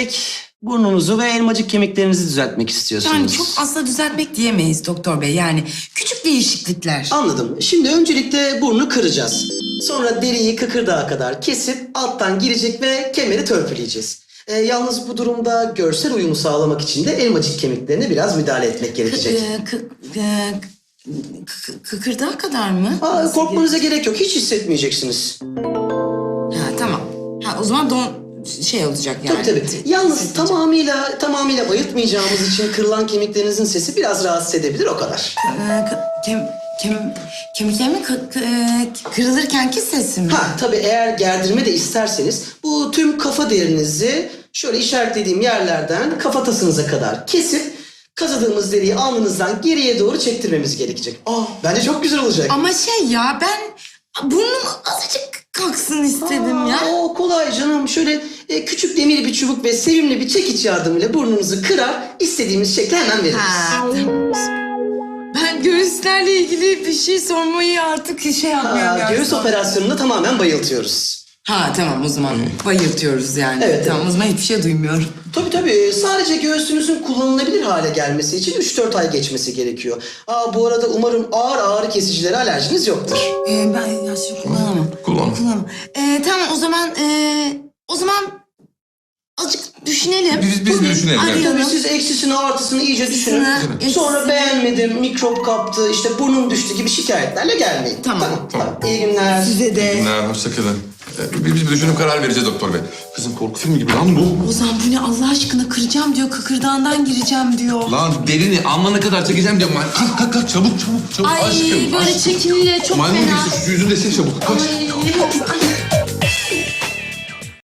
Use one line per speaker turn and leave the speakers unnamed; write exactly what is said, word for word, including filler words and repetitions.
girecek, burnunuzu ve elmacık kemiklerinizi düzeltmek istiyorsunuz.
Yani çok aslında düzeltmek diyemeyiz doktor bey. Yani küçük değişiklikler.
Anladım. Şimdi öncelikle burnu kıracağız. Sonra deriyi kıkırdağa kadar kesip alttan girecek ve kemeri törpüleyeceğiz. Ee, yalnız bu durumda görsel uyumu sağlamak için de elmacık kemiklerine biraz müdahale etmek gerekecek.
Ee, kı, e, kı- kıkırdağa kadar mı?
Aa, korkmanıza gerek yok. Hiç hissetmeyeceksiniz.
Ha tamam. Ha o zaman don şey olacak yani.
Tabii tabii. Yalnız tamamıyla tamamıyla bayıltmayacağımız için kırılan kemiklerinizin sesi biraz rahatsız edebilir, o kadar.
Ee, kı- kem, kem, kemiklerimin kı, kı, e, kırılırken ki sesi mi?
Ha tabii, eğer gerdirme de isterseniz bu tüm kafa derinizi şöyle işaretlediğim yerlerden kafatasınıza kadar kesip kazadığımız deriyi alnınızdan geriye doğru çektirmemiz gerekecek. Aa, bence çok güzel olacak.
Ama şey ya ben burnum azıcık kalksın istedim
Aa,
ya.
O kolay canım. Şöyle e, küçük demir bir çubuk ve sevimli bir çekiç yardımıyla burnunuzu kırar, istediğimiz şekli hemen veririz.
Ha, tamam. Ben göğüslerle ilgili bir şey sormayı artık şey yapmıyorum.
Aa,
ya.
göğüs operasyonunu tamamen bayıltıyoruz.
Ha tamam o zaman bayıltıyoruz yani.
Evet,
Tamam o zaman hiçbir şey duymuyorum.
Tabii tabii. Sadece göğsünüzün kullanılabilir hale gelmesi için üç dört ay geçmesi gerekiyor. Aa, bu arada umarım ağır ağrı kesicilere alerjiniz yoktur.
Ee, ben ya şey kullanamam.
Kullan.
Kullanamam. Ee, tamam o zaman ee, o zaman azıcık düşünelim.
Biz, biz bir düşünelim. evet.
Arayalım.
Tabii siz eksisini artısını iyice düşünün.
Eksisini,
Sonra
eksisini.
beğenmedim, mikrop kaptı, işte burnum düştü gibi şikayetlerle gelmeyin.
Tamam.
Tamam. tamam. İyi günler.
Size de.
Ne, hoşçakalın. Ee, Biz bir düşünüp karar vereceğiz doktor bey. Kızım korku filmi gibi lan bu.
Ozan bu ne Allah aşkına kıracağım diyor, kıkırdağından gireceğim diyor.
Lan derini alnına kadar çekeceğim diyorum. ben. Kalk kalk kalk çabuk çabuk çabuk.
Ay
aşkım,
böyle
aşkım.
çekilince çok
Maymun
fena.
gibisin, şu yüzünü de sil çabuk. Kaç.
Ay,